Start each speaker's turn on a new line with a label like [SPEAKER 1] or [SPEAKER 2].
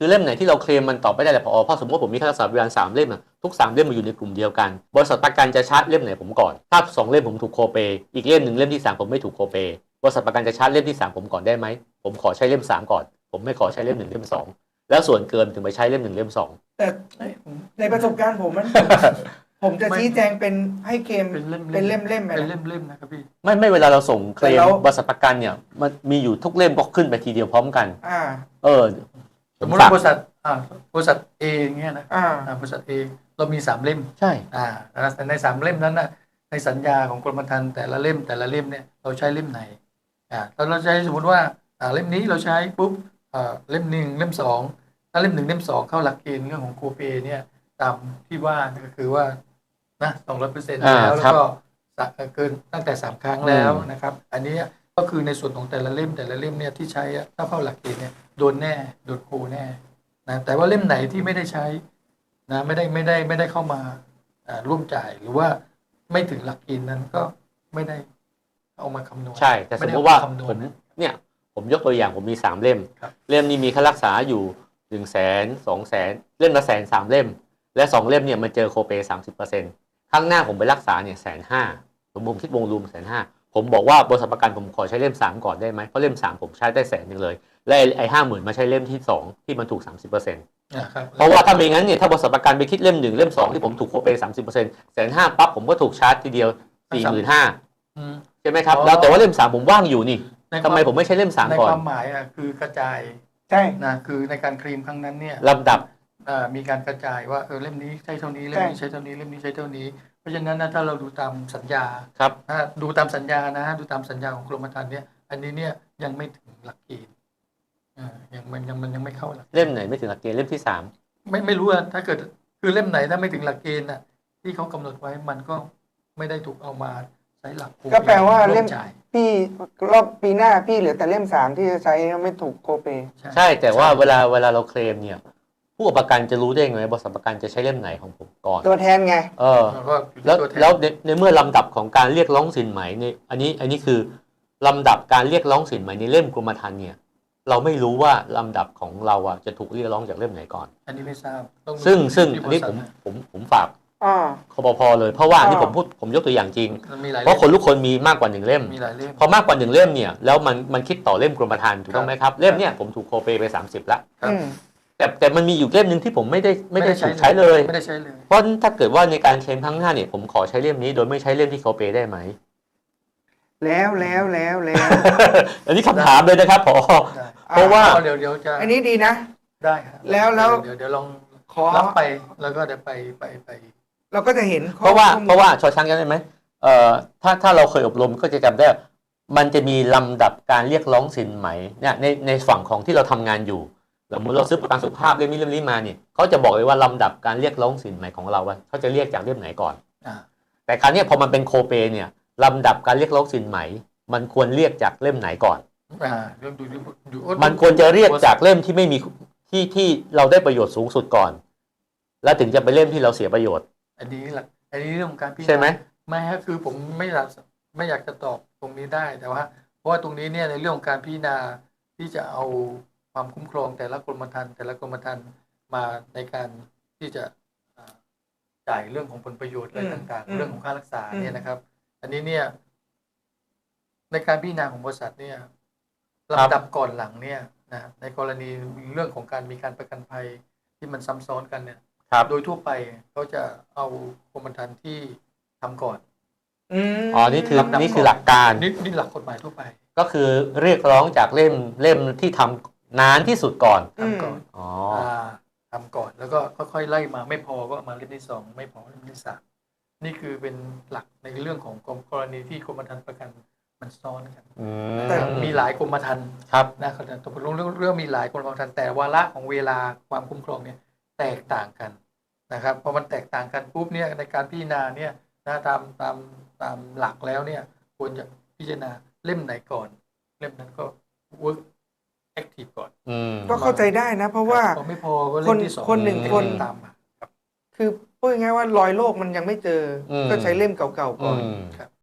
[SPEAKER 1] คือเล่มไหนที่เราเคลมมันตอบไม่ได้แหละพอเพราะสมมติผมมีค่ารักษาพยาบาล3 เล่มทุก3 เล่มมาอยู่ในกลุ่มเดียวกันบริษัทประกันจะชาร์จเล่มไหนผมก่อนถ้า2 เล่มผมถูกโคเปอีกเล่มหนึ่งเล่มที่3ผมไม่ถูกโคเปบริษัทประกันจะชาร์จเล่มที่3ผมก่อนได้ไหมผมขอใช้เล่ม3ก่อนผมไม่ขอใช้เล่ม1เล่ม2แล้วส่วนเกินถึงไปใช้เล่ม1เล่ม2
[SPEAKER 2] แต่ในประสบการณ์ผมผมจะชี้แจงเป็นให้เคลมเป็นเล่ม
[SPEAKER 3] เป็นเล่มนะครับพี่
[SPEAKER 1] ไม่เวลาเราส่งเคลมบริษัทประกันเนี่ยมันมีอยู่ทุกเล่มก็ขึ้นไปทีเดียวพร้อมกัน
[SPEAKER 3] สมมติว่าบริษัทเออย่างเงี้ยนะบริษัทเอเรามี3 เล่ม
[SPEAKER 1] ใช่
[SPEAKER 3] แต่ใน3 เล่มนั้นนะในสัญญาของกรมธรรม์แต่ละเล่มเนี่ยเราใช้เล่มไหนเราใช้สมมติว่าเล่มนี้เราใช้ปุ๊บเล่ม1เล่ม2ถ้าเล่ม1เล่ม2เข้าหลักเกณฑ์เรื่องของโคเปเนี่ยตามที่ว่าก็คือว่านะ200%แล้วก็เกินตั้งแต่3 ครั้งแล้วนะครับอันนี้ก็คือในส่วนของแต่ละเล่มเนี่ยที่ใช้ถ้าเข้าหลักเกณฑ์เนี่ยโดนโคแน่นะแต่ว่าเล่มไหนที่ไม่ได้ใช้นะไม่ได้เข้ามาร่วมจ่ายหรือว่าไม่ถึงหลักเกณฑ์นั้นก็ไม่ได้เอามาคำนวณ
[SPEAKER 1] ใช่แต่สมมติว่าผมยกตัวอย่างผมมี3 เล่มเล่มนี้มีค่ารักษาอยู่100,000 200,000เล่มละ100,000 3 เล่มและ2 เล่มเนี่ยมันเจอโคเป30%ข้างหน้าผมไปรักษาเนี่ย150,000ผมคิดวงรวม150,000ผมบอกว่าบริษัทประกันผมขอใช้เล่ม3ก่อนได้ไหมเพราะเล่ม3ผมใช้ได้100,000เลยและไอ้50,000มาใช้เล่มที่2ที่มันถูก30%เพราะว่าถ้าไม่งั้นเนี่ยถ้าบริษัทประกันไปคิดเล่ม1เล่ม2ที่ผมถูกโคเป30% 150,000ปั๊บผมก็ถูกชาร์จทีเดียว 45,000ใช่ไหมครับแล้วแต่ว่าเล่ม3ผมว่างอยู่นี่ทำไมผมไม่ใช้เล่ม3ก่อน
[SPEAKER 3] ในความหมายคือกระจาย
[SPEAKER 2] ใช่
[SPEAKER 3] นะคือในการเคลมครั้งนั้นเนี่ย
[SPEAKER 1] ลำดับ
[SPEAKER 3] มีการกระจายว่าเล่มนี้ใช้เท่านี้เล่มนี้ใช้เท่านี้เล่มนี้ใช้เท่านี้เพราะฉะนั้นถ้าเราดูตามสัญญา
[SPEAKER 1] ครับ
[SPEAKER 3] ดูตามสัญญานะดูตามสัญญาของกรมธรรม์เนี่ยอันนี้เนี่ยยังไม่ถึงหลักเกณฑ์ยังไม่เข้าหลัก
[SPEAKER 1] เล่มไหนไม่ถึงหลักเกณฑ์เล่มที่3
[SPEAKER 3] ไม่รู้ถ้าเกิดคือเล่มไหนถ้าไม่ถึงหลักเกณฑ์ที่เขากำหนดไว้มันก็ไม่ได้ถูกเอามาใช้หลัก
[SPEAKER 2] ก็แปลว่าเล่มพี่รอบปีหน้าพี่เหลือแต่เล่ม3ที่จะใช้ไม่ถูกโคเป
[SPEAKER 1] ใช่แต่ว่าเวลาเราเคลมเนี่ยผู้ประกันจะรู้ได้ไงบริษัทประกันจะใช้เล่มไหนของผมก่อน
[SPEAKER 2] ตัวแทนไง
[SPEAKER 1] แล้วในเมื่อลำดับของการเรียกร้องสินไหมในอันนี้คือลำดับการเรียกร้องสินไหมในเล่มกรมธรรม์เนี่ยเราไม่รู้ว่าลำดับของเราจะถูกเรียกร้องจากเล่มไหนก่อน
[SPEAKER 3] อันนี้ไม่ทราบ
[SPEAKER 1] ซึ่งอันนี้ผมฝากคปภเลยเพราะว่านี่ผมยกตัวอย่างจริงเพราะคนทุกคนมีมากกว่า1 เล่มพอมากกว่า1 เล่มเนี่ยแล้วมันคิดต่อเล่มกรมธรรม์ถูกต้องไหมครับเล่มเนี่ยผมถูกโคเปไป30ละแต่มันมีอยู่เล่มนึงที่ผมไม่ได้ถูกใช้เลยเพราะถ้าเกิดว่าในการเคลมครั้งหน้าเนี่ยผมขอใช้เล่มนี้โดยไม่ใช้เล่มที่โคเปได้ไหม
[SPEAKER 2] แล้ว
[SPEAKER 1] อันนี้คำถามเลยนะครับเพราะว่า
[SPEAKER 3] เดี๋ยวจะ
[SPEAKER 2] อันนี้ดีนะ
[SPEAKER 3] ได้
[SPEAKER 2] แล้ว
[SPEAKER 3] เดี๋ยวลองรับไปแล้วก็เดี๋ยวไป
[SPEAKER 2] เราก็จะเห็น
[SPEAKER 1] เพราะว่าชอช้างจำได้ไหมถ้าเราเคยอบรมก็จะจำได้มันจะมีลำดับการเรียกร้องสินไหมเนี่ยในฝั่งของที่เราทำงานอยู่สมมติเราซื้อประกันสุขภาพเล่มนี้มาเนี่ยเขาจะบอกเลยว่าลำดับการเรียกร้องสินไหมของเราว่าเขาจะเรียกจากเล่มไหนก่อนแต่คราวนี้พอมันเป็นโคเปเนี่ยลำดับการเรียกร้องสินไหมมันควรเรียกจากเล่มไหนก่อนมันควรจะเรียกจากเล่มที่ไม่มีที่เราได้ประโยชน์สูงสุดก่อนแล้วถึงจะไปเล่มที่เราเสียประโยชน์
[SPEAKER 3] อันนี้เรื่องของการพิจารณา
[SPEAKER 1] ใช่ไหม
[SPEAKER 3] ไม่ฮะคือผมไม่อยากจะตอบตรงนี้ได้แต่ว่าเพราะว่าตรงนี้เนี่ยในเรื่องของการพิจารณาที่จะเอาความคุ้มครองแต่ละกรมธรรม์มาในการที่จะจ่ายเรื่องของผลประโยชน์อะไรต่างๆเรื่องของค่ารักษาเนี่ยนะครับอันนี้เนี่ยในการพิจารณาของบริษัทเนี่ยลำดับก่อนหลังเนี่ยนะในกรณีเรื่องของการมีการประกันภัยที่มันซ้ำซ้อนกันเนี่ยโดยทั่วไปเขาจะเอากรมธรรม์ที่ทำก่อน
[SPEAKER 1] นี่คือหลักการ
[SPEAKER 3] นี่หลักกฎหมายทั่วไป
[SPEAKER 1] ก็คือเรียกร้องจากเล่มที่ทำนานที่สุดก่อน
[SPEAKER 3] ทำก่อนทำก่อนแล้วก็ค่อยๆไล่มาไม่พอก็มาเล่มที่2ไม่พอเล่มที่3นี่คือเป็นหลักในเรื่องของกรณีที่กรมธรรม์ประกันมันซ้อนกันแต่มีหลายกรมธรรม์นะครับตกลงเรื่องมีหลายกรมธรรม์แต่วาระของเวลาความคุ้มครองเนี่ยแตกต่างกันนะครับพอมันแตกต่างกันปุ๊บเนี่ยในการพิจารณาเนี่ยตามหลักแล้วเนี่ยควรจะพิจารณาเล่มไหนก่อนเล่มนั้นก็ work active ก่อน
[SPEAKER 2] ก็เข้าใจได้นะเพราะว่า
[SPEAKER 3] ไม่พอก็เล่มที่2
[SPEAKER 2] คนหนึ่งคน
[SPEAKER 3] ตามมา
[SPEAKER 2] คือพูดง่ายๆว่ารอยโรคมันยังไม่เจอก็ใช้เล่มเก่าๆก่อน